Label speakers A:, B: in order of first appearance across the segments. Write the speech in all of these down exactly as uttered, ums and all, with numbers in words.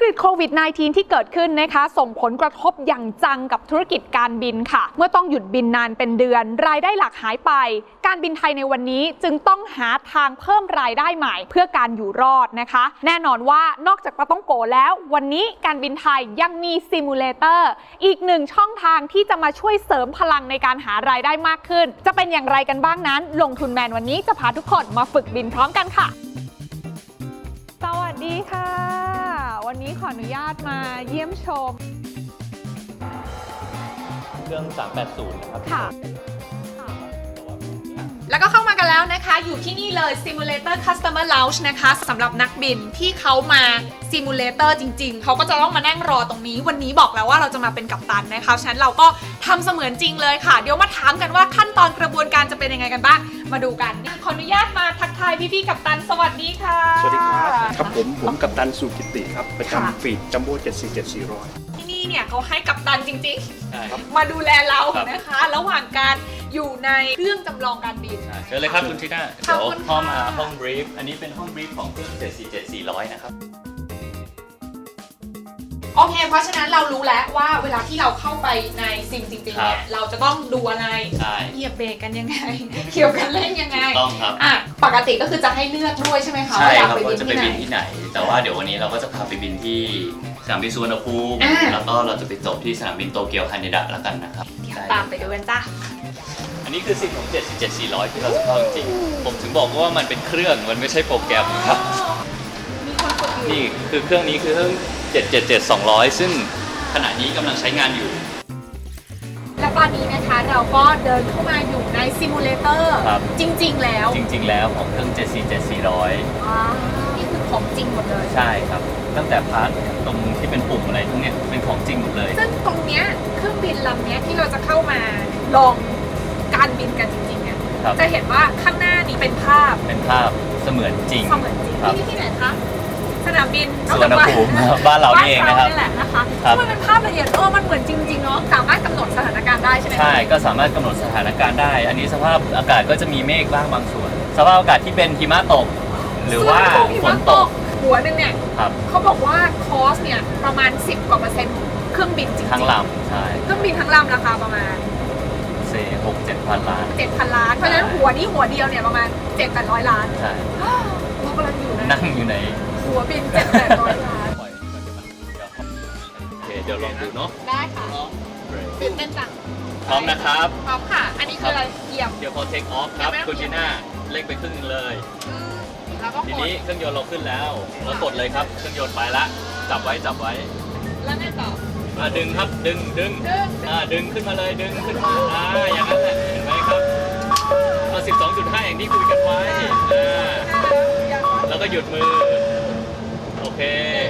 A: กฤตโควิด สิบเก้า ที่เกิดขึ้นนะคะส่งผลกระทบอย่างจังกับธุรกิจการบินค่ะเมื่อต้องหยุดบินนานเป็นเดือนรายได้หลักหายไปการบินไทยในวันนี้จึงต้องหาทางเพิ่มรายได้ใหม่เพื่อการอยู่รอดนะคะแน่นอนว่านอกจากปาต้องโกแล้ววันนี้การบินไทยยังมีซิมูเลเตอร์อีกหนึ่งช่องทางที่จะมาช่วยเสริมพลังในการหารายได้มากขึ้นจะเป็นอย่างไรกันบ้างนั้นลงทุนแมนวันนี้จะพาทุกคนมาฝึกบินพร้อมกันค่ะสวัสดีค่ะวันนี้ขออนุญาตมาเยี่ยมชม
B: เครื่องสามแปดศูนย์นะครับ
A: ค่ะแล้วก็เข้ามากันแล้วนะคะอยู่ที่นี่เลย Simulator Customer Lounge นะคะสำหรับนักบินที่เขามา Simulator จริงๆเขาก็จะต้องมานั่งรอตรงนี้วันนี้บอกแล้วว่าเราจะมาเป็นกัปตันนะคะฉะนั้นเราก็ทำเสมือนจริงเลยค่ะเดี๋ยวมาถามกันว่าขั้นตอนกระบวนการจะเป็นยังไงกันบ้างมาดูกันขออนุญาตมาทักทายพี่ๆกัปตันสวัสดีค่ะ
C: สวัสดีครับครับผมผมกัปตันสุกิติครับประจำฟีดจัมโบ้เจ็ดสี่เจ็ดสี่ร้อย
A: ที่นี่เนี่ยเขาให้กัปตันจริง
B: ๆ
A: มาดูแลเรานะคะระหว่างการอยู่ในเครื่องจำลองการบิน
B: เชิญเลยครับคุณทีน่าเดี๋ยวห้องห้องบรีฟอันนี้เป็นห้องบรีฟของเครื่องเจ็ดสี่เจ็ดสี่ร้อยนะครับ
A: โอเคเพราะฉะนั้นเรารู้แล้วว่าเวลาที่เราเข้าไปในซิมจริงๆเนี่ยเราจะต้องดูอะไรเหยียบเบรกกันยังไงเกี่ยวกันเล่นยังไง
B: ต้องครับ
A: อ่ะปกติก็คือจะให้เลือกด้วยใช่ไหมคะ
B: ใช่ครับว่าจะไปบินที่ไหนแต่ว่าเดี๋ยววันนี้เราก็จะพาไปบินที่สนามบินสุวรรณภูมิแล้วก็เราจะไปจบที่สนามบินโตเกียวฮาเนดะแล้วกันนะครับ
A: ตามไปดูกันจ้า
B: อันนี้คือซิมของเจ็ดสี่เจ็ดสี่ร้อยที่เราจะเข้าจริงๆผมถึงบอกว่ามันเป็นเครื่องมันไม่ใช่โปรแกรมครับนี่คือเครื่องนี้คือเครื่องเจ็ดเจ็ดเจ็ด สองร้อยซึ่งขณะนี้กำลังใช้งานอยู่
A: และตอนนี้นะคะเราก็เดินเข้ามาอยู่ในซิมูเลเตอร์จริงๆแล้ว
B: จริงๆแล้วของเครื่องเจ็ดสี่เจ็ดสี่ร้อย
A: นี่คือของจริงหมดเลย
B: ใช่ครับตั้งแต่พาร์ทตรงที่เป็นปุ่มอะไรทั้งนี้เป็นของจริงหมดเลย
A: ซึ่งตรงเนี้ยเครื่องบินลำนี้ที่เราจะเข้ามาลองการบินกันจริงๆเนี่ยจะเห็นว่าข้างหน้านี้เป็นภาพ
B: เป็นภาพเสมือนจริง
A: เสมือนจริงที่นี่ที่ไหนคะสนามบิน
B: สุวรรณภูมิบ้านเราเองนะครับ
A: นี่แหละนะคะมันเป็นภาพละเอียดเออมันเหมือนจริงๆเนาะสามารถกำหนดสถานการณ์ได้ใช่ไหม
B: ใช่ก็สามารถกำหนดสถานการณ์ได้อันนี้สภาพอากาศก็จะมีเมฆบ้างบางส่วนสภาพอากาศที่เป็นหิมะตกหรือว่าฝนตก
A: หัวนึงเนี่ยเขาบอกว่าคอสเนี่ยประมาณสิบกว่าเปอร์เซ็นต์เครื่องบินจริงๆ
B: ทั้งลำใช่
A: เครื่องบินทั้งลำราคาประมาณ
B: เซ่หกเจ็ดพันล้าน
A: เจ็ดพันล้านเพราะฉะนั้นหัวนี้หัวเดียวเนี่ยประมาณเจ็ดแปดร้อยล้าน
B: ใช่
A: เรากำลังอยู่
B: นั่งอยู่ใน
A: หัวบินเจ็ดแปดร้อยล้าน
B: โอเคเดี๋ยวลองดูเนาะ
A: ได้ค่ะตื่นเต้นจัง
B: พร้อมนะครับ
A: พร้อมค่ะอันนี้คืออะไรเหยียบ
B: เดี๋ยวพอเทคออฟครับคุณจีน่าเร่งไปครึ่งนึงเลยทีนี้เครื่องยนต์เราขึ้นแล้วเรากดเลยครับเครื่องยนต์ไปละจับไว้จับไว้
A: แล้วไงต่อ
B: มาดึงครับดึงดึงอ่าดึงขึ้นมาเลยดึงขึ้นมาอ่าอย่างนั้นแหละเห็นไหมครับเอา สิบสองจุดห้า อย่างที่คุยกันไว้อ่าแล้วก็หยุดมือโอเค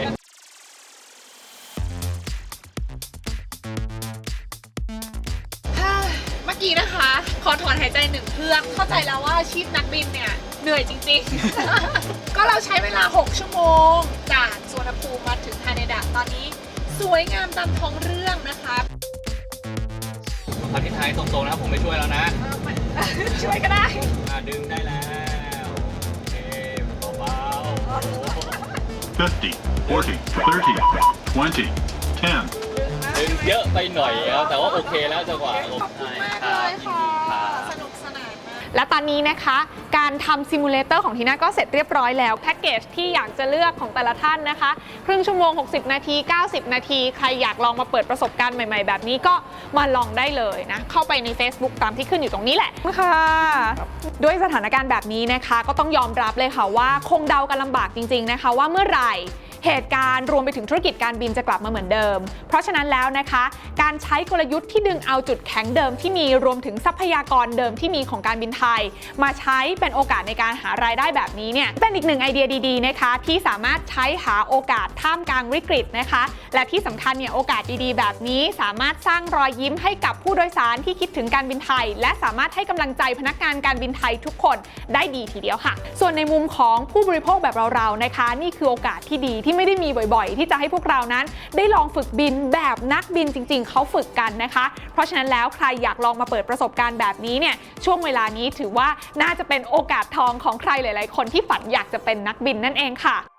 A: เมื่อกี้นะคะขอถอนหายใจหนึ่งเครื่องเข้าใจแล้วว่าอาชีพนักบินเนี่ยเหนื่อยจริงๆ ก็เราใช้เวลาหกชั่วโมงจากสุวรรณภูมิมาถึงฮาเนดะตอนนี้สวยงามตามท้องเรื่องนะคะ
B: พอที่ท้ายตรงๆนะครับผมไม่ช่วยแล้วนะ
A: ช่วยก็ได้
B: ดึงได้แล้วโอเคเบาๆ
D: fifty, forty, thirty, twenty, ten
B: ดึงเยอะไปหน่อยครับแต่ว่าโอเคแล้วจังหวะ
A: ขอบคุณมากเลยค่ะสนุกสนานมากและตอนนี้นะคะการทำซิมูเลเตอร์ของทีน่าก็เสร็จเรียบร้อยแล้วแพ็กเกจที่อยากจะเลือกของแต่ละท่านนะคะครึ่งชั่วโมงหกสิบนาทีเก้าสิบนาทีใครอยากลองมาเปิดประสบการณ์ใหม่ๆแบบนี้ก็มาลองได้เลยนะเข้าไปใน Facebook ตามที่ขึ้นอยู่ตรงนี้แหละค่ะด้วยสถานการณ์แบบนี้นะคะก็ต้องยอมรับเลยค่ะว่าคงเดากันลำบากจริงๆนะคะว่าเมื่อไหร่เหตุการณ์รวมไปถึงธุรกิจการบินจะกลับมาเหมือนเดิมเพราะฉะนั้นแล้วนะคะการใช้กลยุทธ์ที่ดึงเอาจุดแข็งเดิมที่มีรวมถึงทรัพยากรเดิมที่มีของการบินไทยมาใช้เป็นโอกาสในการหารายได้แบบนี้เนี่ยเป็นอีกหนึ่งไอเดียดีๆนะคะที่สามารถใช้หาโอกาสท่ามกลางวิกฤตนะคะและที่สำคัญเนี่ยโอกาสดีๆแบบนี้สามารถสร้างรอยยิ้มให้กับผู้โดยสารที่คิดถึงการบินไทยและสามารถให้กำลังใจพนักงานการบินไทยทุกคนได้ดีทีเดียวค่ะส่วนในมุมของผู้บริโภคแบบเราๆนะคะนี่คือโอกาสที่ดีที่ไม่ได้มีบ่อยๆที่จะให้พวกเรานั้นได้ลองฝึกบินแบบนักบินจริงๆเขาฝึกกันนะคะเพราะฉะนั้นแล้วใครอยากลองมาเปิดประสบการณ์แบบนี้เนี่ยช่วงเวลานี้ถือว่าน่าจะเป็นโอกาสทองของใครหลายๆคนที่ฝันอยากจะเป็นนักบินนั่นเองค่ะ